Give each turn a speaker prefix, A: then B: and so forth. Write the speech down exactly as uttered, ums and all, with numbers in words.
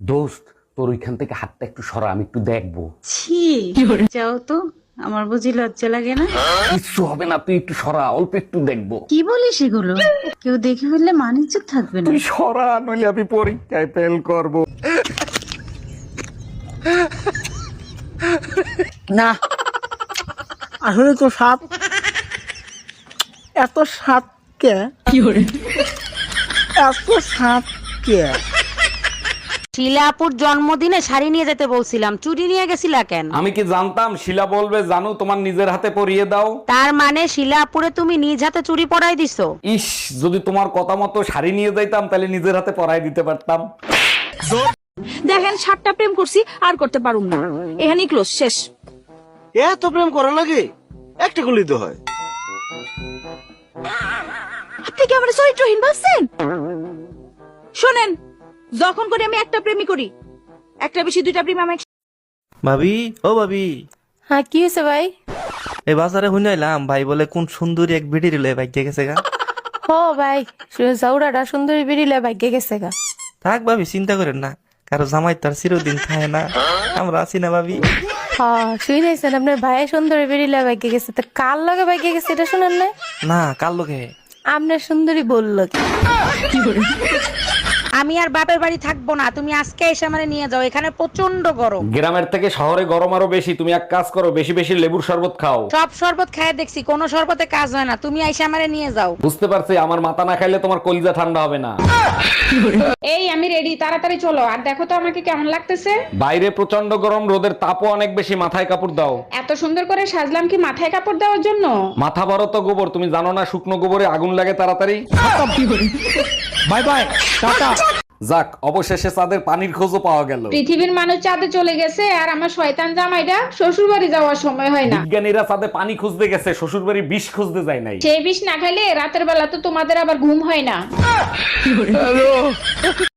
A: দোস্ত তোর ওইখান থেকে হাতটা একটু সরা, আমি একটু দেখবো।
B: ছি, যাও তো, আমার বুঝি লজ্জা লাগে না?
A: কিচ্ছু হবে না, তুই একটু সরা, অল্প একটু দেখবো।
B: কি বলিস এগুলো? কেউ দেখে ফেললে মানিজ্য থাকবে না।
A: তুই সরা, নইলে আমি পরীক্ষায় ফেল করব।
C: না আসলে তো সাপ এত সাপ কে এত সাপ কে
D: শিলাপুর জন্মদিনে শাড়ি নিয়ে যেতে বলছিলাম, চুরি নিয়ে গেছিলা কেন?
A: আমি কি জানতাম শিলা বলবে জানু তোমার নিজের হাতে পরিয়ে দাও।
D: তার মানে শিলাপুরে তুমি নিজ হাতে চুরি পরাই দিছো?
A: ইস, যদি তোমার কথা মতো শাড়ি নিয়ে যাইতাম তাহলে নিজের হাতে পরাই দিতে পারতাম।
E: দেখেন সাতটা প্রেম করছি আর করতে পারুম না, এখানেই ক্লোজ, শেষ।
F: এত প্রেম করা লাগে? একটা গুলি তো হয়।
E: আপনি কি আমার চরিত্রহীন ভাবছেন? শোনেন, যখন করে আমি একটা প্রেমই করি, একটা বেশি দুইটা প্রেম আমি
G: ভাবি, ও ভাবি,
H: হ্যাঁ কি হয়েছে ভাই?
G: এই বাজারে শুনাইলাম ভাই বলে কোন সুন্দরী এক ভিডি রিলে ভাগ্যে গেছে গা।
H: ও ভাই, জাউরাটা সুন্দরী বেরিলে ভাগ্যে গেছে গা।
G: থাক ভাবি, চিন্তা করেন না, কারো জামাই তার চিরদিন খায় না, আমরা আছি না ভাবি।
H: হ্যাঁ শুনেছেন আপনার ভাই সুন্দরী বেরিলে ভাগ্যে গেছে, তা কার লগে ভাগ্যে গেছে এটা শুনেন না?
G: না, কার লোকে?
H: আপনার সুন্দরী বললো কি?
D: আমি আর বাপের বাড়ি থাকবো না, তুমি আজকে এসে আমারে নিয়ে যাও, এখানে প্রচন্ড গরম।
A: গ্রামের থেকে শহরে গরম আরো বেশি। তুমি এক কাজ করো, বেশি বেশি লেবুর শরবত খাও।
D: সব শরবত খায় দেখছি, কোনো শরবতে কাজ হয় না, তুমি এসে আমারে নিয়ে যাও।
A: বুঝতে পারছি, আমার মাথা না খাইলে তোমার কলিজা ঠান্ডা হবে না।
I: এই আমি রেডি, তাড়াতাড়ি চলো। আর দেখো তো আমাকে কেমন লাগতেছে।
A: বাইরে প্রচন্ড গরম, রোদের তাপও অনেক বেশি, মাথায় কাপড় দাও।
I: এত সুন্দর করে সাজলাম কি মাথায় কাপড় দেওয়ার জন্য?
A: মাথা বড় তো গোবর, তুমি জানো না শুকনো গোবরে আগুন লাগে তাড়াতাড়ি।
C: Bye bye tata.
A: যাক, অবশেষে চাঁদের পানির খোঁজও পাওয়া গেল।
I: পৃথিবীর মানুষ চাঁদে চলে গেছে, আর আমার শয়তান জামাইটা শ্বশুর বাড়ি যাওয়ার সময় হয় না।
A: বিজ্ঞানীরা চাঁদে পানি খুঁজতে গেছে, শ্বশুর বাড়ি বিষ খুঁজতে যায় নাই।
I: সেই বিষ না খাইলে রাতের বেলা তো তোমাদের আবার ঘুম হয় না।